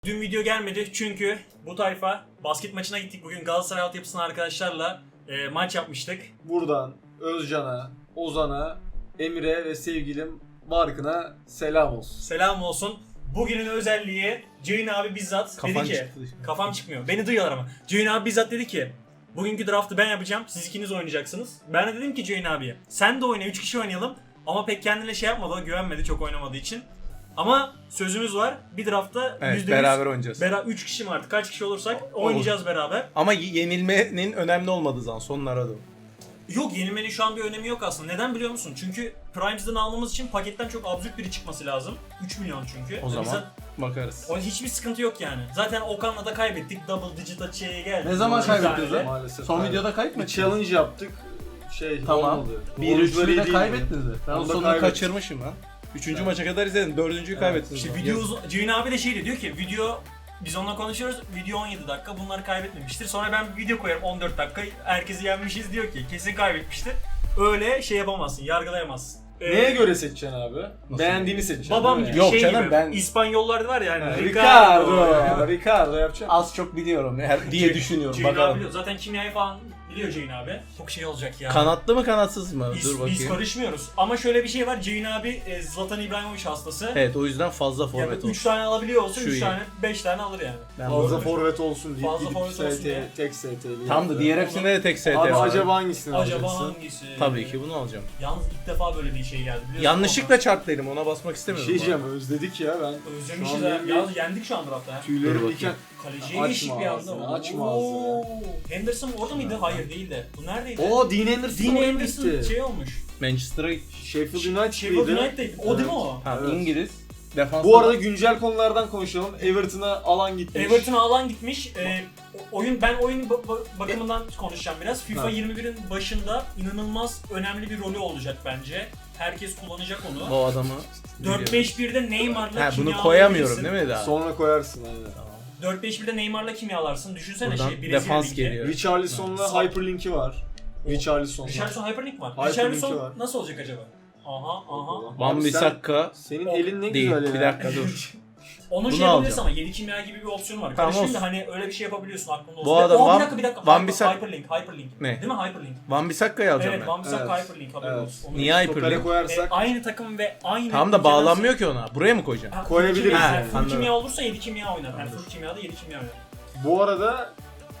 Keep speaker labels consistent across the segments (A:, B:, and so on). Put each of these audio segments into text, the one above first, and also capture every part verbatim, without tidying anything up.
A: Dün video gelmedi çünkü bu tayfa basket maçına gittik. Bugün Galatasaray altyapısına arkadaşlarla e, maç yapmıştık.
B: Buradan Özcan'a, Ozan'a, Emir'e ve sevgilim Barkın'a selam olsun.
A: Selam olsun. Bugünün özelliği Ceyhun abi bizzat
C: Kafan
A: dedi ki,
C: çıktı.
A: kafam çıkmıyor. Beni duyuyorlar ama. Ceyhun abi bizzat dedi ki, bugünkü draftı ben yapacağım. Siz ikiniz oynayacaksınız. Ben de dedim ki Ceyhun abiye, sen de oyna, üç kişi oynayalım. Ama pek kendine şey yapmadı, o güvenmedi çok oynamadığı için. Ama sözümüz var. Bir draftta
C: Evet,
A: yüzde yüz
C: beraber oynayacağız.
A: Bera üç kişi mi artık? Kaç kişi olursak oynayacağız beraber.
C: Ama yenilmenin önemli olmadığı zaman sonlara da.
A: Yok, yenilmenin şu an bir önemi yok aslında. Neden biliyor musun? Çünkü Primes'den almamız için paketten çok absürt biri çıkması lazım. üç milyon çünkü.
C: O zaman
A: Bize,
C: bakarız.
A: o hiçbir sıkıntı yok yani. Zaten Okan'la da kaybettik. Double digit açıya geldi.
D: Ne zaman
A: Bir
D: kaybettiniz
A: tane de.
D: lan?
B: Maalesef.
D: Son
B: kaybettik.
D: videoda kayıp mı?
B: Bir challenge yaptık. Şey
D: Tamam.
B: olmadı.
D: bir üç
B: Oyuncular iyi
D: de
B: değildi.
D: kaybettiniz mi?
C: Ben
B: Onu
C: o
B: da
C: sonunu
B: kaybettim.
C: kaçırmışım lan. Üçüncü maça kadar izledim. Dördüncüyü
B: Evet.
C: kaybettiniz.
A: İşte
C: lan.
A: video uzun... Ceyhun abi de şey diyor ki video... Biz onunla konuşuyoruz. Video on yedi dakika. Bunlar kaybetmemiştir. Sonra ben bir video koyarım on dört dakika. Herkesi yenmişiz diyor ki kesin kaybetmiştir. Öyle şey yapamazsın. Yargılayamazsın. Ee,
B: Neye göre seçeceksin abi? Beğendiğini seçeceksin.
A: Babam
B: değil mi?
A: gibi
C: Yok
A: şey
C: canım,
A: gibi.
C: ben-
A: İspanyollar var ya hani.
B: Ha,
A: Ricardo.
B: Ricardo. Ricardo yapacağım.
C: Az çok biliyorum her diye düşünüyorum.
A: Ceyhun abi
C: Bakalım.
A: biliyor. Zaten kimyayı falan biliyor Ceyhun abi. Çok şey olacak ya.
C: Kanatlı mı kanatsız mı?
A: Biz,
C: Dur
A: biz
C: bakayım.
A: karışmıyoruz. Ama şöyle bir şey var. Ceyhun abi e, Zlatan İbrahimovic hastası.
C: Evet, o yüzden fazla
A: Yani
C: forvet
A: üç
C: olsun.
A: tane alabiliyor olsa
C: Şu
A: üç
C: iyi.
A: tane, beş tane alır yani.
C: Ben
B: Fazla
C: forvet.
B: forvet olsun diye
A: Fazla
B: gidip
A: forvet olsun
B: S
A: diye.
B: T, tek S T'li.
C: Tam da diğer hepsinde de tek S T
B: Abi
C: var.
B: acaba hangisini
A: Acaba
B: alacaksın?
A: hangisi?
C: Tabii ki bunu alacağım.
A: Yalnız ilk defa böyle bir şey geldi biliyorsun.
C: Yanlışlıkla çarp dedim, ona basmak
B: Bir
C: istemiyorum.
B: şey diyeceğim, özledik ya ben.
A: Özlemişiz
B: Şu an
A: ya.
B: benim
A: Yalnız yendik şu an draftta ya.
B: Tüylerim
C: Dur
B: diken.
A: Kaleciye
B: Açma
A: geçtik bir anda.
B: ağzını, açma
A: Oo. Henderson orada mıydı? Hayır değildi. Bu neredeydi?
B: Oo, Dean Anderson
A: Dean
B: oraya
A: Anderson
B: gitti.
A: şey olmuş.
C: Manchester'a
B: Sheffield United
A: Sheffield
B: mıydı?
A: United'deydi. O değil mi
B: Evet.
A: o?
C: ha,
B: Evet.
C: İngiliz. Defans.
B: Bu arada güncel konulardan konuşalım. Everton'a alan gitmiş.
A: Everton'a alan gitmiş. Ee, o- oyun ben oyun ba- ba- bakımından konuşacağım biraz. FIFA
B: Ha.
A: yirmi birin başında inanılmaz önemli bir rolü olacak bence. Herkes kullanacak onu.
C: bu adamı.
A: dört beş birde Neymar'la
C: Ha,
A: kimya
C: bunu koyamıyorum
A: alabilirsin.
C: değil mi daha?
B: Sonra koyarsın aynen.
A: dört beş birde Neymar'la kimyalarsın. Düşünsene
C: Buradan
A: şey Brezilya
C: defans
A: Ligi.
C: geliyor.
B: Richarlison'la
A: Sağ-
B: Hyperlink'i var. Richarlison'la.
A: Richarlison Hyperlink var.
B: Hyperlink'i
A: Richarlison
B: var.
A: nasıl olacak acaba? Aha aha.
C: Van
B: Abi sen-
C: Bissaka
B: Senin
A: O-
B: elin ne
C: değil.
B: güzel ya.
C: Bir dakika dur.
A: Onun
C: Bunu
A: şey yapabilirsin
C: alacağım.
A: ama yedi kimya gibi bir opsiyonu var.
C: Tamam,
A: Karışmayın da
C: olsun.
A: hani öyle bir şey yapabiliyorsun aklında olsun.
C: Bu
A: Ve-
C: adam
A: Oo,
C: Van-
A: bir dakika bir dakika.
C: Van
A: Hyper-
C: Bissaka-
A: Hyperlink, Hyperlink.
C: Ne?
A: Değil mi Hyperlink?
C: Van Bissaka'yı alacağım
A: Evet,
C: ben.
A: Van Bissaka
B: Evet.
A: Hyperlink haberin
B: Evet.
A: olsun. Onu
C: Niye
A: bir-
C: Hyperlink?
B: Topere
A: E,
B: koyarsak
A: aynı takım ve aynı
C: Tamam da
A: ülkeden-
C: bağlanmıyor ki ona. Buraya mı koyacağım?
A: Ha,
B: Koyabiliriz
A: full kimya-
C: yani.
A: yani. Full
C: Anladım.
A: kimya olursa yedi kimya oynar. Yani full kimyada yedi kimya oynar.
B: bu arada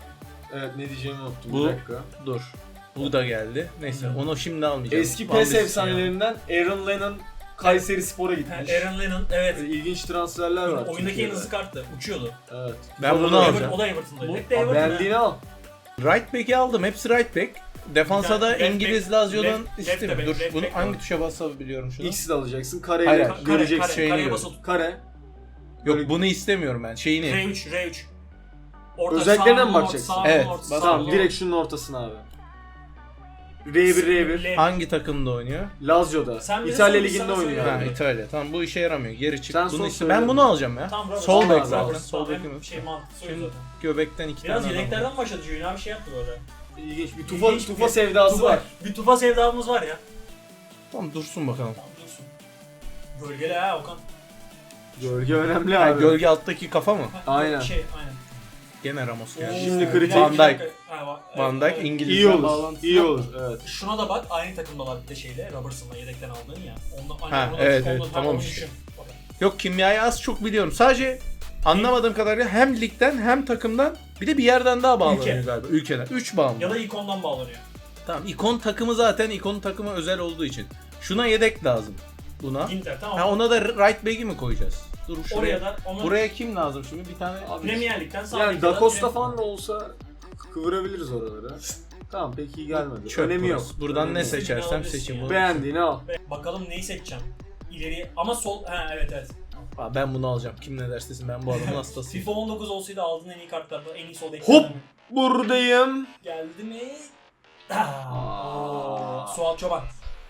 B: evet ne diyeceğimi unuttum
C: Bu-
B: bir dakika.
C: Dur. Bu da geldi. Neyse,
A: Hı.
C: onu şimdi almayacağım.
B: Eski
C: Van
B: PES
C: Bissaka.
B: efsanelerinden Aaron Lennon Kayseri Spor'a
A: Ha,
B: gitmiş.
A: Aaron Lennon evet.
B: Böyle İlginç transferler var.
A: Oyundaki en
B: Türkiye'de.
A: hızlı karttı. Uçuyordu.
B: Evet.
C: Ben bunu
B: Sonra da-
C: alacağım.
A: Everton, o da Everton'daydı.
B: Bu,
A: Hep de
B: Aa,
A: Everton.
B: beğendiğini al.
C: Right back'i aldım. Hepsi right back. Defansa
A: Bir
C: da
A: tane left
C: İngiliz
A: back-
C: Lazio'dan
A: left- left
C: istemiyorum.
A: back,
C: Dur,
A: left
C: bunu
A: back
C: hangi
A: var.
C: tuşa basabiliyorum şunu?
B: X'i de alacaksın. Kareyle
C: Hayır,
A: Kare,
B: göreceksin.
A: kare,
C: şeyini
A: kareye
C: gör.
A: basılı tut.
B: Kare.
C: Yok,
B: Böyle-
C: bunu istemiyorum ben. Şeyini.
A: R üç, R üç. Orta,
B: Özelliklerine
A: sağ,
B: mi
A: orta,
B: bakacaksın?
A: sağ,
C: Evet,
A: orta,
C: bak-
A: sağ,
B: Tamam
A: orta.
B: direkt şunun ortasına abi. R bir R bir.
A: Left.
C: Hangi takımda oynuyor?
B: Lazio'da.
A: Sen bize
B: İtalya
A: sor,
B: Ligi'nde
A: sana
B: oynuyor.
A: söyle.
C: Ha,
A: Evet.
C: İtalya. Tamam, bu işe yaramıyor. Geri çık.
B: Sen
C: Bunu
B: son
C: iste-
B: söyle.
C: Ben bunu alacağım ya.
A: Tamam, Roberts.
C: Sol
B: Al
C: bek
B: abi,
C: zaten.
A: Roberts,
C: Sol
A: tamam,
C: bekim.
A: şey mantıklı
C: Şimdi
A: zaten.
C: göbekten iki
A: Biraz
C: tane adam var.
A: yedeklerden başladı Cüyün abi şey yaptı böyle.
B: İlginç bir tufa,
A: İlginç
B: tufa
A: bir-
B: sevdası
A: Tufa-
B: var.
A: Bir tufa sevdamız var ya.
C: Tamam, dursun bakalım.
A: Tamam dursun. Gölgeli ha Okan.
B: Gölge önemli
C: Ha,
B: abi.
C: gölge alttaki kafa mı?
A: Ha,
B: Aynen.
A: Şey aynen.
C: Gene Ramos geldi.
A: Oo,
B: Şimdi
A: bir
B: kritik.
A: dakika,
C: Van
A: bir
C: Dijk.
A: dakika. Ha, va-
C: Van
A: evet,
C: Dijk
A: evet.
C: İngiliz.
B: İyi olur. İyi olur. Evet.
A: Şuna da bak aynı takımdalar bir de şeyle Robertson'la yedekten aldığın ya. Ondan,
C: Ha,
A: onu da-
C: evet,
A: onu da-
C: evet,
A: ha,
C: tamam
A: onu
C: işte.
A: düşün. Bak.
C: Yok, kimyayı az çok biliyorum. Sadece anlamadığım kadarıyla hem ligden hem takımdan bir de bir yerden daha bağlanıyor
A: Ülke.
C: galiba. Ülkeden. üç bağımlı.
A: Ya da ilk ondan bağlanıyor.
C: Tamam, ikon takımı zaten ikon takımı özel olduğu için. Şuna yedek lazım. Buna.
A: Inter tamam.
C: Ha, ona da right back'i mi koyacağız? Dur şuraya.
A: Oraya da onu
C: Buraya kim lazım şimdi? Bir tane
B: Abi,
A: Premier Lig'den sağ
B: yani
A: ligde
B: Da Costa
A: Premier-
B: falan da olsa kıvırabiliriz oraları. Tamam peki gelmedi.
C: çöp
B: Önemi yok.
C: burası. Buradan
B: Önemi
C: ne
B: yok.
C: seçersem
A: Alabilirsin
C: seçeyim
A: ya.
C: bunu.
B: Beğendiğini al.
A: Bakalım neyi seçeceğim. İleri ama sol ha evet evet.
C: Aa, ben bunu alacağım. Kim ne derse desin, ben bu adamın hastasıyım.
A: FIFA on dokuz olsaydı aldığın en iyi kartlardan en iyi sol
B: Hop!
A: ekranı
B: Buradayım.
A: geldi mi?
B: Aa.
A: Aa. Suat Çoban.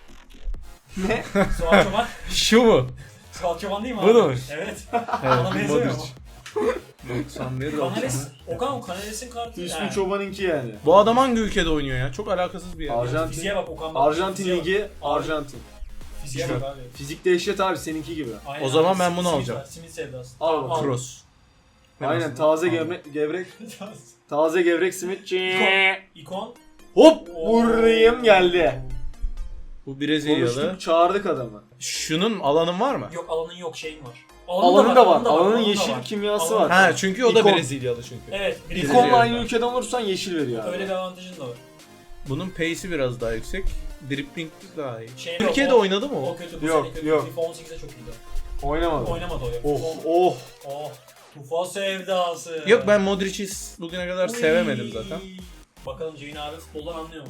B: Ne?
A: Suat Çoban.
C: Şu mu?
A: Suat Çoban değil mi
C: Bu
A: abi?
C: da mı?
A: Evet.
C: Evet,
A: Bana benziyor
C: Modric.
A: mu?
C: doksan bir
A: Kanales, Okan o Kanales'in kartı.
B: İsmi
A: yani.
B: Çoban'ınki yani.
C: Bu adam hangi ülkede oynuyor ya? Çok alakasız bir yer.
B: Arjantin.
A: Fiziğe bak Okan bak.
B: Arjantin
A: Fiziğe bak.
B: Ligi,
A: Abi,
B: Arjantin.
A: Fiziğe bak abi.
B: Fizik dehşet abi seninki gibi.
A: Aynen
C: O zaman
A: abi,
C: ben bunu
A: simit
C: alacağım.
A: var, Simit sevdası.
B: Al
A: Tamam,
B: bakalım.
C: Cross.
B: Aynen taze gevrek, gevrek taze gevrek simitçi.
A: İkon. İkon.
B: Hop vurayım geldi.
C: Bu Brezilyalı.
B: Konuştuk çağırdık adamı.
C: Şunun alanın var mı?
A: Yok alanın yok şeyin var.
B: Alanın da var. Alanın
A: alanın da
B: yeşil
A: var.
B: kimyası
A: Alanın-
B: var.
C: Ha çünkü o da
B: İkon.
C: Brezilyalı çünkü.
A: Evet.
C: Brezilya.
B: İkonla aynı ülkeden olursan yeşil veriyor abi.
A: Öyle bir avantajın da var.
C: Bunun pace'i biraz daha yüksek. Dribbling daha iyi.
A: Şey
C: Türkiye'de
A: yok, o-
C: oynadı mı o?
A: O kötü bu
B: Yok,
A: sene kötü.
B: yok.
A: FIFA on sekizde çok iyiydi.
B: Oynamadı.
A: Oynamadı o ya.
B: Oh
A: FIFA-
B: oh.
A: Oh. Tufa sevdası.
C: Yok ben Modric'i bugüne kadar
A: Uy.
C: sevemedim zaten.
A: Bakalım Ceyhun abi futboldan anlıyor mu?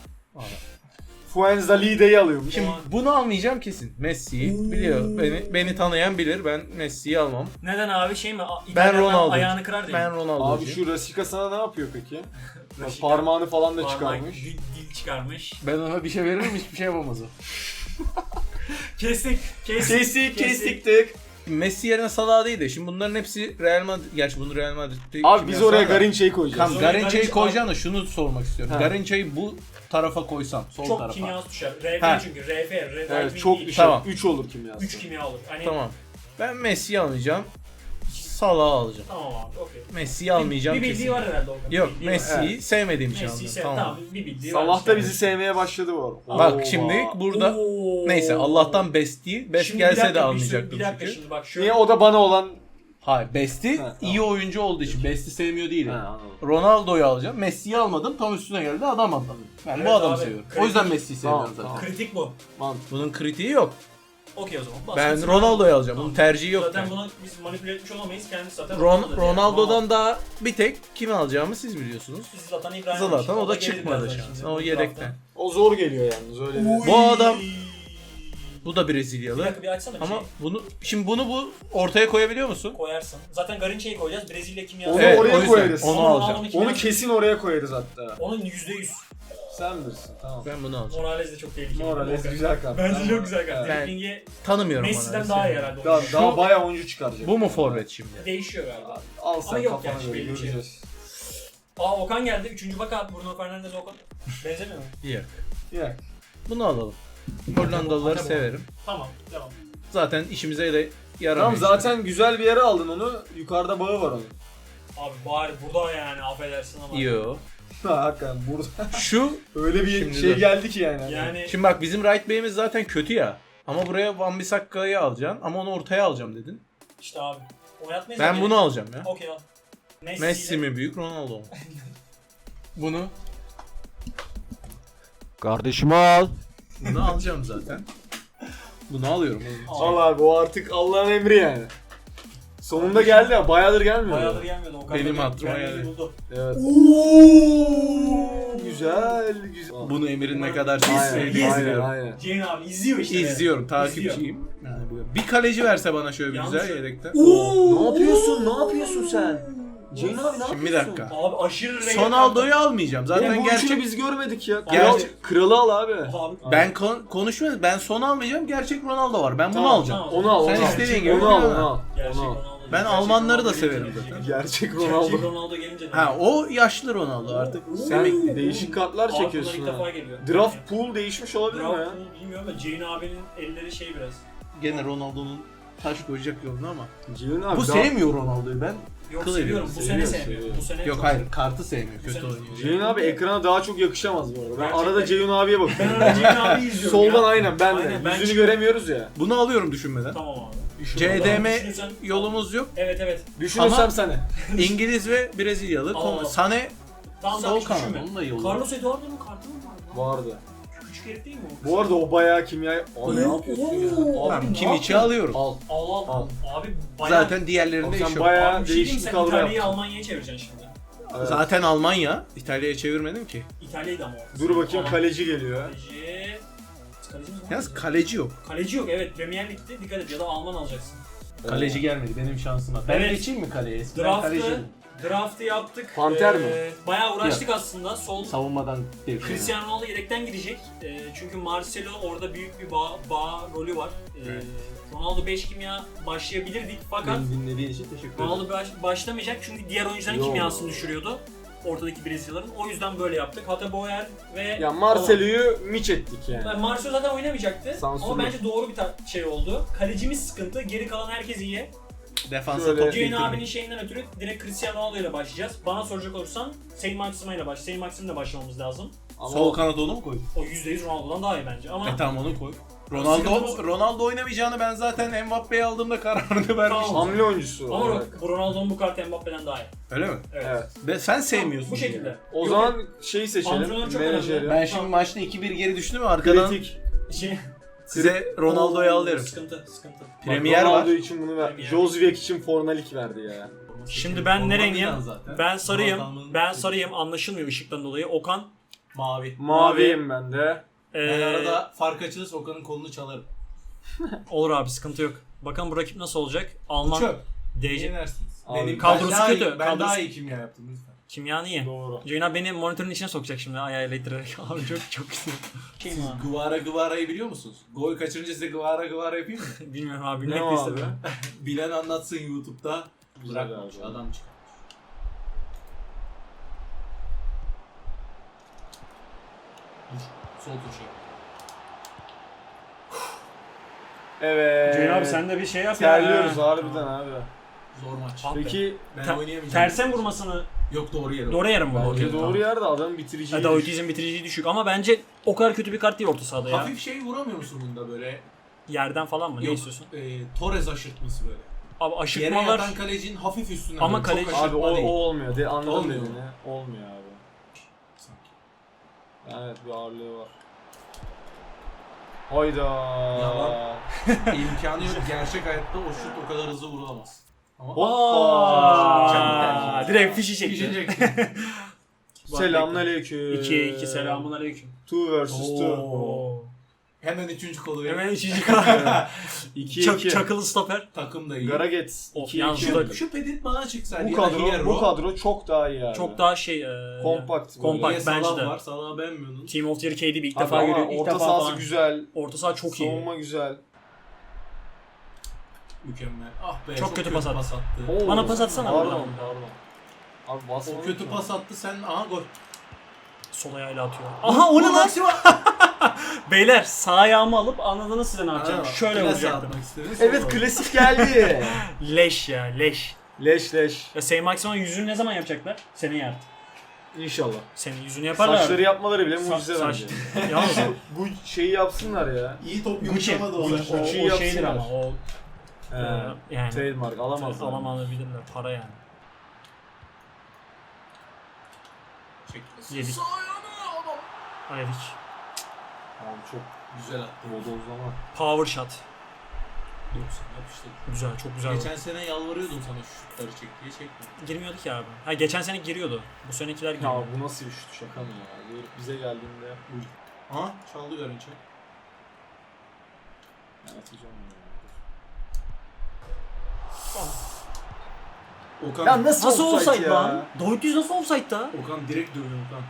B: Fuenzalide'yi alıyormuş.
C: Şimdi bunu almayacağım kesin. Messi'yi biliyor. Beni beni tanıyan bilir. Ben Messi'yi almam.
A: Neden abi şey mi? A-
C: Ben
A: İtalyanlar
C: Ronaldo.
A: ayağını kırar diye.
C: Ben
A: mi?
C: Ronaldo'cuyum.
B: Abi şu Rasika sana ne yapıyor peki? Bak,
A: Rasika-
B: parmağını falan da
A: Parmak,
B: çıkarmış.
A: Dil, dil çıkarmış.
C: Ben ona bir şey veririm hiçbir şey yapamaz o.
A: Kestik. Kestik.
B: Kestik kestik tık.
C: Messi yerine Salah değil de şimdi bunların hepsi Real Madrid. Gerçi bunu Real Madrid'de
B: Abi biz oraya Garinçe'yi koyacağız.
C: Tamam
A: Biz oraya
C: Garinça'yı
A: Garinça-
C: koyacağım da şunu sormak istiyorum.
B: Ha.
C: Garinça'yı bu tarafa koysam sol
A: Çok
C: tarafa.
A: kimyası düşer. R
C: Ha.
A: F çünkü. R F. R F
B: Evet çok
A: değil.
B: düşer.
C: Tamam.
B: üç olur kimyası.
A: üç kimya olur. Hani
C: Tamam. Ben Messi'yi almayacağım. Salah'ı alacağım.
A: Tamam abi. Okey.
C: Messi'yi almayacağım
A: Bir bildiği
C: kesin.
A: var herhalde o.
C: Yok
A: Bildiği var.
C: Messi'yi sevmediğim için
A: Messi'yi
C: aldım.
A: sev.
C: Tamam.
A: Tamam bir bildiği var.
B: Salah da
A: işte.
B: bizi sevmeye başladı bu arada.
C: Bak
B: Oo.
C: şimdi burada
A: Oo.
C: neyse Allah'tan best değil. Best
A: Şimdi bir
C: gelse
A: dakika,
C: de
A: bir
C: almayacaktım
A: sürü- Bir dakika
C: çünkü.
A: şimdi bak şu.
B: Niye o da bana olan...
C: Hayır Best'i
B: Ha,
C: iyi oyuncu olduğu için Best'i sevmiyor değilim.
B: Ha, anladım.
C: Ronaldo'yu alacağım. Messi'yi almadım. Tam üstüne geldi adam aldım. Ben
A: Evet
C: bu adamı
A: abi,
C: seviyorum.
A: kritik.
C: O yüzden Messi'yi seviyorum
B: Tamam,
C: zaten.
B: tamam.
A: Kritik bu.
B: Mantıklı.
C: Bunun kritiği yok.
A: Okey o zaman. Bas
C: Ben
A: gitsin.
C: Ronaldo'yu alacağım.
A: Tamam.
C: Bunun tercihi yok.
A: Zaten
C: yani.
A: bunu biz manipüle etmiş olamayız. Kendisi zaten
C: Ron-
A: Ronaldo'dur yani.
C: Ronaldo'dan daha bir tek kimi alacağımı siz biliyorsunuz.
A: Biz Zlatan İbrahimovic.
C: Zlatan o da
A: gelir
C: çıkmadı
A: birazdan
C: şansı.
A: şimdi
C: O
A: bu
C: yedekten.
A: taraftan.
B: O zor geliyor yalnız öyle bir...
C: Bu adam-
A: Uy.
C: Bu da
A: Bir
C: Brezilyalı.
A: dakika bir açsana bir
C: Ama
A: şey.
C: bunu şimdi bunu bu ortaya koyabiliyor musun?
A: Koyarsın. Zaten Garinça'yı koyacağız. Brezilya kimyası.
B: Onu
C: Evet,
B: oraya
C: o yüzden
B: koyarız.
C: onu
A: Ama
C: alacağım.
A: Ronaldo'nun kimyası-
B: Onu kesin oraya koyarız hatta.
A: Onun yüzde yüz.
B: Sen bilirsin tamam.
C: Ben bunu alacağım.
A: Morales de çok tehlikeli.
B: Morales güzel kart.
A: Bence
B: Tamam.
A: çok güzel kart.
B: Evet.
A: Dribblingi
C: Tanımıyorum
A: Messi'den
C: Morales'i.
A: daha iyi herhalde.
B: Daha,
A: oyuncu.
B: daha bayağı oyuncu çıkaracak.
C: Bu mu forvet şimdi?
A: Değişiyor galiba.
B: Al
A: Ama
B: sen
A: yok
B: kafana
A: gerçi,
B: göre
A: belli bir şey
B: göreceğiz.
A: Aa Okan geldi. Üçüncü baka Bruno Fernandes Okan. Benzemiyor mu?
C: Yok.
B: Ya.
C: Bunu alalım. Hollandalıları
A: Tamam.
C: severim.
A: Tamam. Devam.
C: Zaten işimize de yaramıyor.
B: Tamam
C: işte.
B: zaten güzel bir yere aldın onu. Yukarıda bağı var onun.
A: Abi bari burada yani affedersin ama.
C: Yo.
B: Ha hakikaten burada
C: Şu
B: öyle bir
C: Şimdi
B: şey
C: de.
B: geldi ki yani.
A: Yani
C: şimdi bak bizim right back'imiz zaten kötü ya. Ama buraya Wan Bissakka'yı alacaksın ama onu ortaya alacağım dedin.
A: işte abi. Oynatmayız.
C: Ben
A: da
C: bunu
A: gerek-
C: alacağım ya.
A: Okey al. Messi,
C: Messi mi büyük Ronaldo mu? Bunu
B: Kardeşimi al.
C: bunu alacağım zaten. Bunu alıyorum.
B: Al abi o artık Allah'ın emri yani. Sonunda geldi ya bayağıdır gelmiyor.
A: Bayağıdır gelmiyordu Okan.
C: Benim
A: da
C: hatırıma
A: kendini
C: geldi.
A: buldu.
B: Evet. Oo, güzel güzel.
C: Bunu Emir'in ne kadar
B: Aynen,
C: sevdiğini
B: aynen,
C: izliyorum.
B: aynen.
A: Ceyhun abi izliyor işte.
C: İzliyorum,
A: İzliyor.
C: takipçiyim. Yani bu- bir kaleci verse bana şöyle bir
A: Yalnız
C: güzel
A: şu-
C: yedekten.
B: Ne yapıyorsun? Ne yapıyorsun sen? Ceyhun abi ne
C: Şimdi bir
B: yapıyorsun?
C: dakika.
A: Abi aşırı reyel.
C: Sonaldo'yu almayacağım.
B: Zaten
C: Zaten
B: bu
C: gerçek
B: üçünü biz görmedik ya. Kral,
C: Gerçek-
B: kralı al abi.
A: Abi.
C: ben kon- konuşmuyorum. Ben son almayacağım. Gerçek Ronaldo var. Ben bunu
B: Tamam,
C: alacağım.
A: tamam.
B: Onu al,
C: Sen
B: onu al.
C: istediğin gibi
B: Onu al,
C: oyna.
B: onu al.
A: Gerçek
B: Onu al.
A: Ronaldo.
C: Ben
A: Gerçek
C: Almanları
A: Ronaldo
C: da severim
A: gelince
C: zaten.
B: Gerçek
A: Gerçek
B: Ronaldo.
A: Ronaldo gelince.
C: Ha o yaşlı Ronaldo artık.
B: Sen
C: emekli.
B: değişik kartlar
A: Aklına
B: çekiyorsun
A: ilk
B: ha.
A: defa geliyor.
B: Draft pool değişmiş olabilir mi ya?
A: Draft pool bilmiyorum ama Ceyhun abinin elleri şey biraz.
C: Gene Ronaldo'nun taş koyacak yolunu ama.
B: Ceyhun abi.
C: Bu
B: daha-
C: sevmiyor Ronaldo'yu ben.
A: Yok
C: Kıl
A: seviyorum.
C: ediyor,
A: Bu
B: seviyor,
A: sene sevmiyorum.
B: seviyor.
A: Bu sene
C: Yok
A: çok-
C: hayır kartı sevmiyor. Kötü
A: Güzel.
C: oynuyor.
B: Ceyhun abi ekrana daha çok yakışamaz bu arada. Ben
A: Gerçekten.
B: arada Ceyhun abiye
A: Ben
B: bakıyorum.
A: arada Ceyhun abi izliyorum
B: Soldan
A: ya.
B: aynen ben de.
A: Aynen, ben
B: Yüzünü
A: çık-
B: göremiyoruz ya.
C: Bunu alıyorum düşünmeden.
A: Tamam abi.
C: C D M
A: Düşünürsen-
C: yolumuz yok.
A: Evet evet.
B: Düşünürsem
C: Ama-
B: sana.
C: İngiliz ve Brezilyalı.
A: Aa.
C: Konu- Sane
A: Tamam
C: sol
A: tamam hiç
C: kanat.
A: düşünme.
C: Onun da yolu.
A: Carlos Eduardo'nun kartı mı var? lan?
B: Vardı.
A: Küçük herif değil mi o?
B: Bu arada o bayağı kimya... Aa,
A: Oo,
B: ne yapıyorsun ya?
A: oo.
B: Abi,
C: Tamam
A: ne
C: Kimmich'i
A: yaptın?
C: alıyorum.
B: Al.
A: Al al.
B: Al.
A: Abi bayağı...
C: Zaten diğerlerinde
B: Abi
C: iş
B: sen
C: yok.
B: bayağı
A: Abi bir şey diyeyim,
B: değişik
A: sen
B: kadro
A: İtalya'yı
B: yaptın.
A: Almanya'ya çevireceksin şimdi.
B: Evet.
C: Zaten Almanya. İtalya'ya çevirmedim ki.
A: İtalya'yı da mı o?
B: Dur bakayım
A: Tamam.
B: kaleci geliyor.
A: Kaleci... Kaleci mi?
C: Yalnız kaleci yok.
A: Kaleci yok evet. Premier Lig'de dikkat et ya da Alman alacaksın.
C: Kaleci gelmedi benim şansıma. Ben
A: Evet.
C: geçeyim mi kaleye? Ben
A: Draft'ı,
C: kaleciyim.
A: draft'ı yaptık.
B: Panter
A: Ee,
B: mi?
A: Bayağı uğraştık aslında. Sol
C: Savunmadan bir
A: Cristiano Ronaldo yedekten girecek. Ee, çünkü Marcelo orada büyük bir bağ, bağ rolü var. Ee,
C: Evet.
A: Ronaldo beş kimya başlayabilirdik fakat
C: Beni dinlediğin için teşekkür ederim.
A: Ronaldo baş, başlamayacak çünkü diğer oyuncuların
B: Yo.
A: kimyasını düşürüyordu. Ortadaki Brezilyalıların. O yüzden böyle yaptık. Hatta Boyer ve
B: Ya Marcelo'yu miç ettik yani.
A: Yani Marcelo zaten oynamayacaktı
B: Sansürlü.
A: ama bence doğru bir ta- şey oldu. Kalecimiz sıkıntı, geri kalan herkes iyi.
C: Defansa
B: Şöyle-
C: top
A: Ceyhun
C: getirmek.
A: abinin şeyinden ötürü direkt Cristiano Ronaldo ile başlayacağız. Bana soracak olursan Saint Maxima ile baş. Saint Maxim'le başlamamız lazım.
B: Ama
C: Sol kanat onu mu koy?
A: O yüzde yüz Ronaldo'dan daha iyi bence ama
C: E tamam onu koy.
A: Sıkıntı
C: Ronaldo
A: bu.
C: Ronaldo oynamayacağını ben zaten Mbappe'yi aldığımda kararını vermiştim.
B: hamle oyuncusu
A: ama
B: olarak.
A: bu Ronaldo'nun bu kartı Mbappe'den daha iyi.
C: Öyle mi?
A: Evet.
B: Evet.
C: Ve sen sevmiyorsun.
A: Bu şekilde.
C: yani.
B: O
A: Yok,
B: zaman şeyi seçelim.
A: Antrenör çok
B: Menajeri.
A: önemli.
C: Ben şimdi maçta iki bir geri düştüm mü arkadan
B: Kritik.
A: Şey,
C: size Ronaldo'yu al derim.
A: Sıkıntı, sıkıntı.
C: Premier
B: Ronaldo
C: var.
B: için bunu ver.
A: Premier.
B: Jozviak için Fornalik verdi ya.
A: Şimdi ben ne rengim?
C: Zaten.
A: Ben sarıyım.
C: Ronaldo'nun-
A: Ben sarıyım. Anlaşılmıyor ışıktan dolayı. Okan
C: Mavi.
B: Maviyim ben de.
A: ee,
C: Ben arada fark açılırsa Okan'ın kolunu çalarım.
A: olur abi sıkıntı yok. Bakalım bu rakip nasıl olacak? Alman
C: Çöp.
A: D C
C: Yenersiniz.
B: Abi,
C: Benim
A: kadrosu
C: ben daha
A: kötü,
C: iyi- ben
A: kadrosu-
C: daha iyi kimya yaptım lütfen.
A: kimyanı iyi.
B: Doğru.
A: Ceyhun abi beni monitörün içine sokacak şimdi ayağıyla ittirerek. Abi çok çok güzel. Şey mi
C: Siz
A: abi?
C: Guvara Guvara'yı biliyor musunuz? Gol kaçırınca size Guvara Guvara yapayım mı?
A: Bilmiyorum abi.
B: Ne
A: Bilmek
B: o
A: de
B: abi?
A: istemiyorum.
C: Bilen anlatsın YouTube'da.
B: Güzel
C: Bırakmamış
B: abi.
C: adam çıkar. Dur. Sol tuş yap.
B: Evet.
A: Ceyhun abi sen de bir şey yap ya.
B: Terliyoruz
A: Ha.
B: harbiden abi.
C: Zor maç.
A: Abi.
B: Peki
C: Ben
A: Ter-
C: oynayamayacağım.
A: Tersen vurmasını
C: Yok doğru yere.
A: doğru yere mi vurdu?
C: Bence
A: Okey,
B: doğru yerde adam bitirici.
A: tamam. Davidizm bitiriciliği düşük ama bence o kadar kötü bir kart değil orta sahada ya.
C: Hafif şey vuramıyor musun bunda böyle?
A: Yerden falan mı? Ne
C: Yok,
A: istiyorsun?
C: E, Torres aşırtması böyle.
A: Abi
C: Yere
A: aşırtmalar
C: yatan kalecinin hafif üstüne.
A: Ama
C: böyle, çok
A: kaleci-
B: Abi
C: aşırtma
B: o, o
C: değil.
B: olmuyor. De, anladım
C: Olmuyor mu?
B: dediğini. Olmuyor abi.
C: Sanki.
B: Evet bir ağırlığı var. Hayda.
C: Yalan. İmkanı yok. Gerçek hayatta o şut o kadar hızlı vurulamaz. Ama
B: Hoppa.
A: Aa, direkt fişi çekti.
C: Düşecek.
B: Selamünaleyküm.
A: iki iki selamun aleyküm.
B: Two versus two.
A: Oo.
C: Hemen üçüncü kolu
A: Hemen
C: verin.
A: üçüncü kart.
B: iki
A: Çak,
B: iki.
A: çakılı stoper.
C: Takım da iyi.
B: Garaget.
A: Of,
B: iki
A: yalnız
B: iki.
A: şu da-
C: Şu, şu pedit bana çıksaydı
B: Bu
C: ya da
B: kadro,
C: Hierro.
B: bu kadro çok daha iyi abi.
A: Çok daha şey e,
B: Kompakt.
A: kompakt.
C: Niye
A: bence
C: Salah
A: de.
C: var? Salah'ı beğenmiyordun.
A: Team of the Year K D B ilk
B: Abi
A: defa
B: ama
A: görüyor. İlk
B: orta
A: defa
B: sahası
A: falan.
B: güzel.
A: Orta saha çok iyi.
B: Savunma güzel.
C: Mükemmel. Ah be.
A: Çok kötü pas attı.
C: attı.
B: Oo.
A: Bana pas atsana
B: Pardon
A: buradan.
B: pardon. Abi basma.
C: O kötü pas attı sen. Aha gol.
A: Sol ayağıyla atıyor. Aha o ne lan? Beyler sağ ayağımı alıp anladınız size ne yapacağım. Şöyle
C: Plase
A: vuracaktım.
C: atmak istedin,
B: Evet
C: sonra-
B: klasik geldi.
A: Leş ya leş.
B: leş leş.
A: Ya Saint Maximin yüzünü ne zaman yapacaklar? Seneye artık.
B: İnşallah.
A: Senin yüzünü yaparlar.
B: Saçları yapmaları bile
A: Sa-
B: mucize
A: saç-
B: bence.
A: Yalnız
B: Bu şeyi yapsınlar ya.
C: İyi top
A: Gucci.
C: yumuşamadı o
A: Gucci.
C: zaman.
A: O, o
B: Gucci
A: şeydir
B: yapsınlar.
A: ama o
B: He.
A: e, yani.
B: Trademark alamazlar.
A: Alamayabilirler para yani.
C: Çek.
A: Yedik.
C: Sağ ayağına adam.
A: Yedik.
B: Abi çok
C: Güzel attı.
B: bodozlama.
A: Power shot.
C: doksan yapıştı.
A: Güzel çok güzel.
C: Geçen sene yalvarıyordum sana şu şutları çek diye çekme.
A: Girmiyordu ki abi. Ha geçen sene giriyordu. Bu senekiler
B: Ya
A: giriyor.
B: bu nasıl bir şut şaka mı ya? Bize geldiğinde
C: Aha çaldı Garınça.
B: ben atacağım
C: Okan,
B: ya. Ya nasıl,
A: Nasıl
B: offside
A: offside
B: ya?
A: lan? David Luiz nasıl offside'da?
C: Okan direkt dövdü Okan.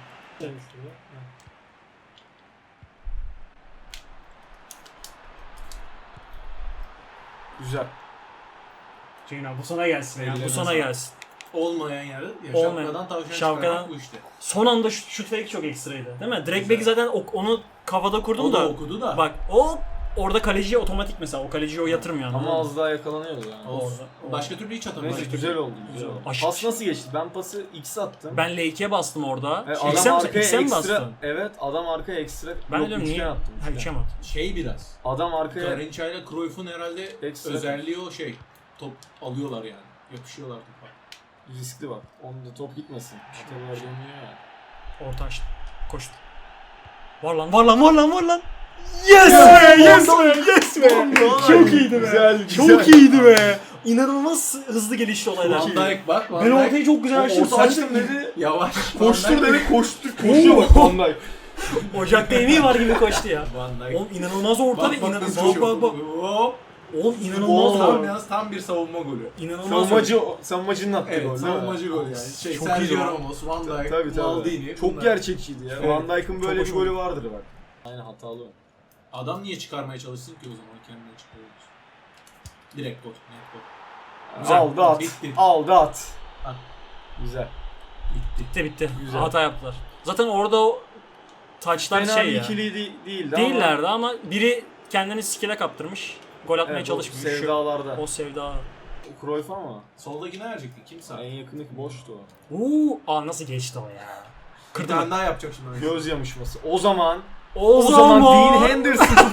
B: Güzel.
A: Ceyhun abi bu sana gelsin ya. Bu
C: Ellerine
A: sana
C: sağlık.
A: gelsin.
C: Olmayan yerde ya
A: Olmayan.
C: şapkadan tavşan
A: Şapkadan-
C: çıkarmak bu işte.
A: Son anda şut, şut fake çok ekstraydı. Değil mi? Direkt
C: Güzel.
A: belki zaten o- onu kafada kurdum
C: O da
A: da.
C: okudu da.
A: Bak o orada kaleciye otomatik mesela. O kaleciye o yatırmıyor. anladın
B: Ama
A: mı?
B: az daha yakalanıyordu yani.
C: Olsun.
A: Orada-
C: Başka türlü hiç atamıyor.
B: Neyse güzel oldu. Güzel oldu.
A: Aşırı-
B: Pas nasıl geçti? Ben pası X attım.
A: Ben L ikiye bastım orada.
B: E,
A: X'e
B: adam
A: mi,
B: arkaya
A: X'e mi
B: ekstra.
A: bastın?
B: Evet adam arkaya ekstra.
A: Ben de
B: Yok,
A: diyorum
B: üçgen
A: niye?
B: attım.
A: Ha
B: üçgen.
A: üçe mi attın?
C: Şey biraz.
B: Adam arkaya
C: Garınça ile Cruyff'un herhalde
B: Ekstra.
C: özelliği o şey. Top alıyorlar yani. Yapışıyorlar topa.
B: riskli bak. Onda top gitmesin. Atalar dönüyor ya.
A: Orta açtı. Koştu. Var lan var lan var lan var lan. Yes be yes be yes be. Çok iyiydi be.
B: Güzel,
A: Çok
B: güzel.
A: iyiydi be. İnanılmaz hızlı gelişti olaylar.
C: Van Dijk bak. Van
A: Ben
C: Dijk
A: ortayı çok güzel açtım.
B: Orta açtım dedi.
C: yavaş.
B: Koştur
C: Van Dijk-
B: dedi koştu. Koşuyor bak Van Dijk.
A: Ocakta yemeği var gibi koştu ya.
C: Van Dijk.
A: Oğlum inanılmaz orta ve
C: Bak bak
A: inanılmaz
C: nasıl
A: bak
C: koşuyor.
A: bak bak.
C: Hop.
A: Oğlum inanılmaz
B: Oo.
C: Tam
A: gol.
C: yalnız tam bir savunma golü.
A: İnanılmaz
B: Savunmacı, savunmacının attığı
C: Evet,
B: gol. değil mi?
C: savunmacı gol yani. Şey,
A: Çok
C: Sergio
A: iyiydi lan.
C: Ramos, Van Dijk,
B: Tabii tabii.
C: Maldini.
B: Çok
C: bunlar.
B: gerçekçiydi ya.
C: Evet.
B: Van Dijk'ın böyle
A: Çok
B: bir
A: hoş
B: golü vardır bak. Aynen hatalı o.
C: Adam niye çıkarmaya çalışsın ki o zaman kendine çıkarıyoruz. Direkt gol, net gol.
A: Güzel.
B: Aldı at.
C: Bitti.
B: Aldı at.
C: Ha.
B: Güzel.
C: Bitti.
A: Bitti bitti.
B: Güzel.
A: Hata yaptılar. Zaten orada o taçlar
B: Fena
A: şey
B: bir
A: ya.
B: ikili de- değildi
A: Değillerdi ama biri kendini skill'e kaptırmış. Gol
B: ama
A: atmaya
B: evet, o
A: çalışmış. Şu-
B: sevdalarda.
A: O sevda.
B: Cruyff ama.
D: Soldakine verecektik. Kim sağ?
B: En yakındaki boştu o.
A: Uuu. Aa nasıl geçti o ya.
D: Bir
A: Kırdım.
D: tane daha yapacak şimdi.
B: Göz yamışması. O zaman
A: O,
B: o zaman Dean Henderson.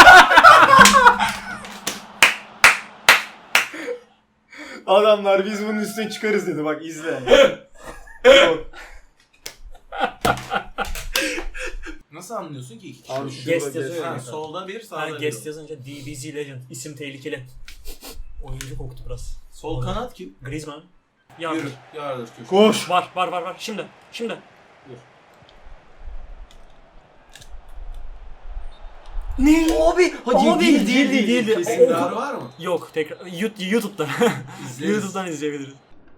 B: Adamlar biz bunun üstüne çıkarız dedi, bak izle. Yok.
D: Nasıl anlıyorsun ki iki kişi?
B: Abi
D: Abi,
B: şurada
A: Guest
B: guest.
A: yazıyor
D: ha,
A: ya.
D: solda bir, sağda
A: Ha,
D: bir.
A: guest yazınca D B Z Legend. İsim tehlikeli. Oyuncu koktu biraz.
D: Sol kanat kim?
A: Griezmann. Yardır.
D: Yürü. Yardır köşe.
B: Koş.
A: Var var var var. Şimdi. Şimdi.
D: Dur.
A: Ne?
B: Abi, hadi
A: Abi,
B: değil,
A: değil, değil, değil, değil.
B: Kesin.
D: Tekrar var mı?
A: Yok tekrar Yu- YouTube'dan.
D: İzleriz.
A: YouTube'dan izleyebiliriz.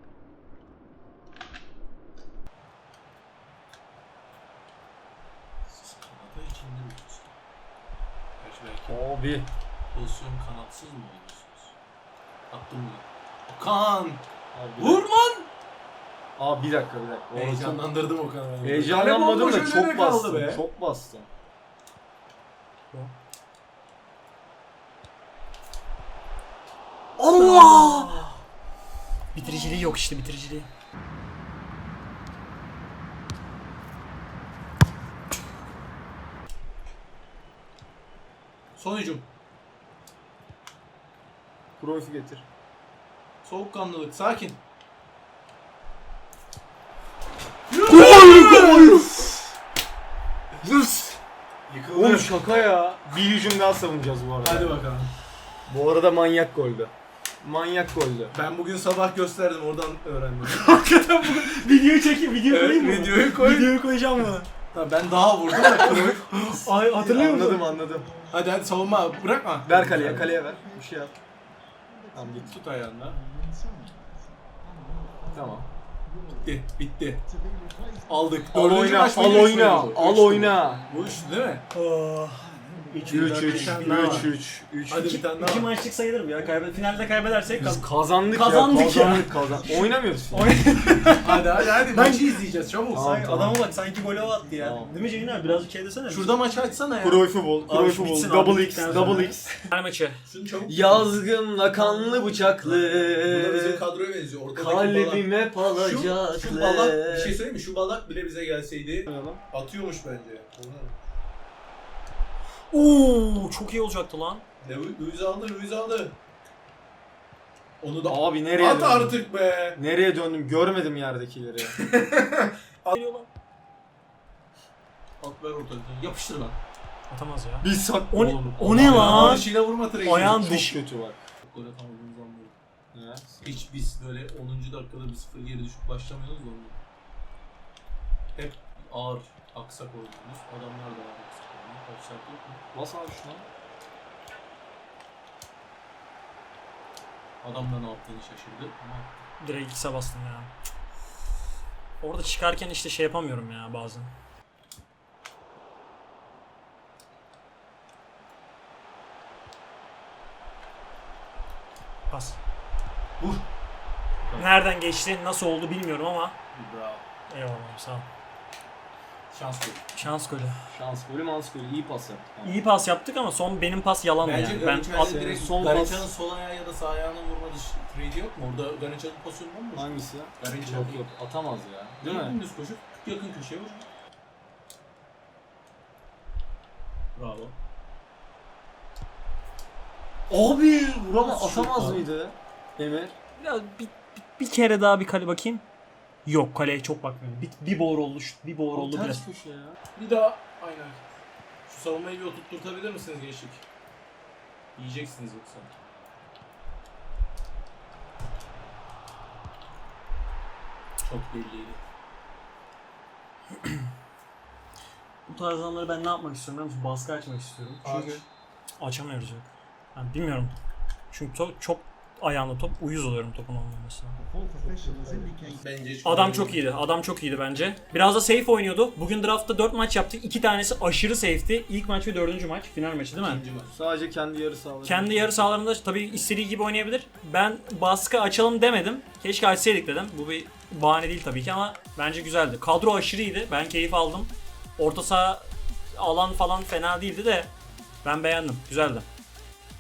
D: Kanata içinde mi? Gerçi belki
B: Abi.
D: pozisyon kanatsız mı oluyorsunuz? Attım mı? Okan!
B: Abi.
D: Vur lan!
B: Abi bir dakika bir dakika. Orada
D: Heyecanlandırdım Okan'ı.
B: çok- Heyecanlanmadım da çok
D: kaldı
B: bastım.
D: be.
B: Çok bastım.
A: Allah! Bitiriciliği yok işte bitiriciliği.
D: Son hücum.
B: Cruyff'u getir.
D: Soğukkanlılık. Sakin.
B: Yes!
D: Yıkıldı.
B: Oğlum şaka ya. Bir hücum daha savunacağız bu arada.
D: Hadi bakalım.
B: Bu arada manyak goldü. Manyak goldü.
D: Ben bugün sabah gösterdim, oradan öğrendim.
A: Hakikaten bu videoyu çekeyim, video
D: Evet,
A: koyayım mı?
D: videoyu koy.
A: Videoyu koyacağım mı?
D: Ha, ben daha vurdum da Cruyff.
A: Ay hatırlıyor musun?
B: Anladım anladım.
D: Hadi hadi savunma, bırakma.
B: Ver kaleye, kaleye ver. Bir şey yap. Tamam git.
D: Tut ayağında.
B: Tamam.
D: Bitti, bitti. Aldık.
B: Al
D: Dördüncü
B: oyna,
D: maç
B: al
D: mıydı, üç
B: oyna,
D: müydü bu?
B: al
D: Üçtü bu.
B: oyna.
D: Bu üçtü değil mi?
A: Oh.
B: üç üç, üç
D: tane daha var.
B: üç, üç.
D: Hadi
A: İki,
D: bir tane
A: iki
D: daha. var.
A: maçlık sayılır mı ya? Kaybet, finalde kaybedersek
B: Biz
A: kaz-
B: kazandık,
A: Kazandık
B: ya.
A: ya.
B: Kazandık, kazandık. Oynamıyoruz.
D: Hadi hadi hadi maçı izleyeceğiz çabuk.
B: Tamam,
A: Sanki
B: tamam.
A: adama bak sanki golü attı ya.
B: Tamam.
A: Değil mi Ceyhun abi? Birazcık şey desene.
D: Şurada maçı açsana ya.
B: Cruyff'u bul,
A: Abi
B: Cruyff'u
A: şu bitsin
B: bul.
A: abi,
B: Double X,
A: bittikten sonra.
B: double X.
A: Final maçı.
D: Şunu çabuk.
B: Yazgımla kanlı bıçaklı.
D: Bu da bizim kadroya benziyor. Ortadaki balak.
B: Kalbime
D: Şu,
B: palacaklı.
D: şu balak, bir şey söyleyeyim mi? Şu balak bile bize gelseydi atıyormuş bence.
A: Oo, çok iyi olacaktı lan.
D: Lu- Luiz aldı, Luiz aldı. Onu da
B: Abi nereye
D: at
B: döndüm?
D: artık be.
B: Nereye döndüm? Görmedim yerdekileri.
A: Geliyor lan.
D: At ver ortadan. Yapıştır lan.
A: Atamaz ya.
B: Bir sak.
A: O ne,
B: Oğlum,
A: o ne lan?
D: Dışıyla vurma treyi.
A: Ayağın
D: Çok
A: dışı.
B: kötü bak.
D: gol atamadığımız anlıyor.
B: Ne?
D: Hiç biz böyle onuncu dakikada bir sıfır geri düşüp başlamıyoruz da onu. Hep ağır aksak oynuyoruz. Adamlar da ağır aksak oynuyor. Offside yok mu?
B: Bas abi şuna.
D: Adam da ne yaptığını şaşırdı ama
A: Direkt X'e bastım ya. Orada çıkarken işte şey yapamıyorum ya bazen. Pas.
D: vur.
A: Nereden geçti, nasıl oldu bilmiyorum ama
D: Bravo.
A: eyvallah sağ ol.
D: Şans yok.
A: Şans golü.
B: Şans golü, mans golü. İyi pas yaptı.
A: İyi pas yaptık ama son benim pas yalan
D: Bence
A: yani. Ben
D: Garica'nın
A: at,
D: direkt
B: son
D: Garica'nın
B: pas-
D: sol ayağı ya da sağ ayağına vurma dışı trade'i yok mu? Orada Garica'nın pozisyonu var mı?
B: Hangisi?
D: Garica
B: Yok yok, atamaz ya. Değil mi?
D: Dümdüz koşup yakın köşeye vur. Bravo.
B: Abi vurama
D: Nasıl
B: atamaz
D: şut lan?
B: mıydı? Emir.
A: biraz bir, bir, bir kere daha bir kale bakayım. Yok kaleye çok bakmıyorum. Bir, bir boğur oldu, şu- bir boğur oldu biraz.
B: Ters köşe ya.
D: Bir daha aynen. Şu savunmayı bir oturtturtabilir misiniz gençlik? Yiyeceksiniz yoksa. Çok belliydi.
A: Bu tarz anları ben ne yapmak istiyorum biliyor musun? Baskı açmak istiyorum. Çünkü açamıyoruz yok. Yani bilmiyorum. Çünkü to- çok ayağında top, uyuz oluyorum topun olmamasına.
D: Bence hiç
A: Adam çok iyiydi. Adam çok iyiydi bence. Biraz da safe oynuyordu. Bugün draftta dört maç yaptık. iki tanesi aşırı safe'ti. İlk maç ve dördüncü maç. Final maçı değil mi?
D: İkinci maç.
B: Sadece kendi yarı sahaları.
A: Kendi yarı sahalarında tabii istediği gibi oynayabilir. Ben baskı açalım demedim. Keşke açsaydık dedim. Bu bir bahane değil tabii ki ama bence güzeldi. Kadro aşırıydı. Ben keyif aldım. Orta saha alan falan fena değildi de ben beğendim. Güzeldi.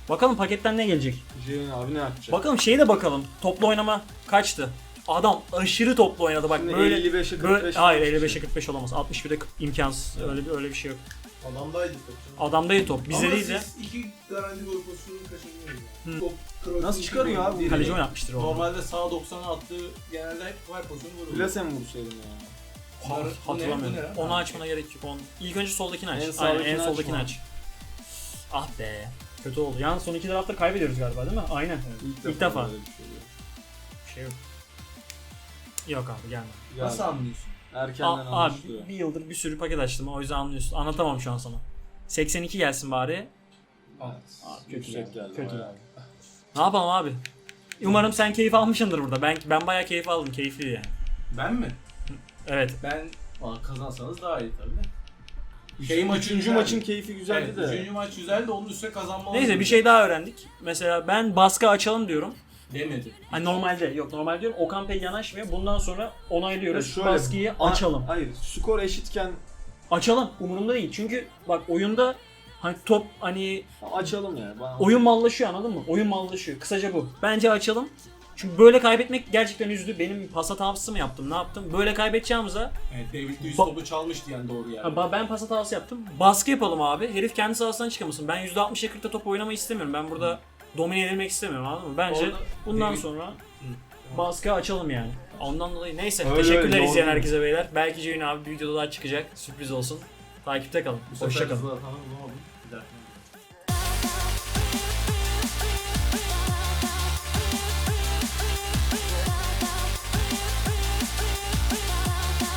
A: Bakalım paketten ne gelecek.
B: Ceyhun abi ne yapacak?
A: Bakalım şeye de bakalım. Toplu oynama kaçtı? Adam aşırı toplu oynadı bak
B: Şimdi
A: böyle.
B: elli beşe kırk
A: böyle
B: beş
A: hayır
B: olmuş
A: elli beşe
B: şey.
A: kırk beş olamaz. altmış birde imkansız. Öyle bir öyle bir şey yok.
D: Adamdaydı top.
A: Adamdaydı top. Bizde
E: Ama
A: değil de.
E: siz iki garanti gol pozisyonunu kaçırmıyorsunuz.
A: Hı.
E: Yani. Top kroatik
B: Nasıl çıkarıyor abi?
E: değil.
A: Kaleci oynatmıştır o.
D: Normalde sağ doksana attığı genelde hep var pozisyonu vuruyor.
B: Plase mi vursaydım ya?
A: Ha-
D: Bu ne?
A: Hatırlamıyorum.
D: Bu ne?
A: Onu açmana gerek yok. Onu... İlk önce soldakini aç.
B: En
A: Aynen
B: sağdakini
A: en
B: aç
A: soldakini
B: mı?
A: aç. Ah be. Kötü oldu. Yalnız son iki draftta kaybediyoruz galiba değil mi? Aynen. İlk defa.
B: böyle bir şey oluyor.
A: Bir şey yok. Yok abi gelme.
D: Nasıl
B: Ya,
D: anlıyorsun?
B: erkenden
A: A- abi
B: anlaşılıyor.
A: bir yıldır bir sürü paket açtım. O yüzden anlıyorsun. Anlatamam şu an sana. seksen iki gelsin bari.
D: Al.
A: kötü
B: Yüksek geldi.
A: Kötü
B: bayağı.
A: Ne yapalım abi? Umarım sen keyif almışsındır burada. Ben ben bayağı keyif aldım. Keyifliydi yani.
D: Ben mi?
A: Evet.
D: Ben Aa, kazansanız daha iyi tabii de.
B: Şey maç,
D: güzeldi.
B: üçüncü maçın keyfi güzeldi
D: Evet,
B: de.
D: üçüncü maç güzeldi, onun üstüne kazanmalı.
A: Neyse bir şey daha öğrendik. Mesela ben baskı açalım diyorum.
D: demedi.
A: Hani normalde yok normal diyorum. Okan pek yanaşmıyor. Bundan sonra onaylıyoruz.
B: Ya şöyle,
A: Baskıyı
B: a-
A: açalım.
B: Hayır, skor eşitken
A: Açalım. Umurumda değil. Çünkü bak oyunda hani top hani
B: açalım ya. Bana...
A: oyun mallaşıyor anladın mı? Oyun mallaşıyor. Kısaca bu. Bence açalım. Çünkü böyle kaybetmek gerçekten üzdü. Benim pas hatası mı yaptım? Ne yaptım? Böyle kaybedeceğimize
D: Evet, David Luiz
A: Ba-
D: topu çalmış diyen doğru yani.
A: Ha, ben pas hatası yaptım. Baskı yapalım abi. Herif kendi sahasından çıkamasın. Ben yüzde altmışa kırkta top oynamayı istemiyorum. Ben burada domine edilmek istemiyorum anladın mı? Bence
D: Orada
A: bundan
D: David-
A: sonra baskı açalım yani. Ondan dolayı neyse.
B: Öyle
A: Teşekkürler
B: öyle,
A: izleyen
B: doğru.
A: herkese beyler. Belki Ceyhun abi bir videoda daha çıkacak. Sürpriz olsun. Takipte kalın.
D: Bu sefer
A: Hoşça kalın.
D: Zlatan'ı bulamadım. Bir dakika.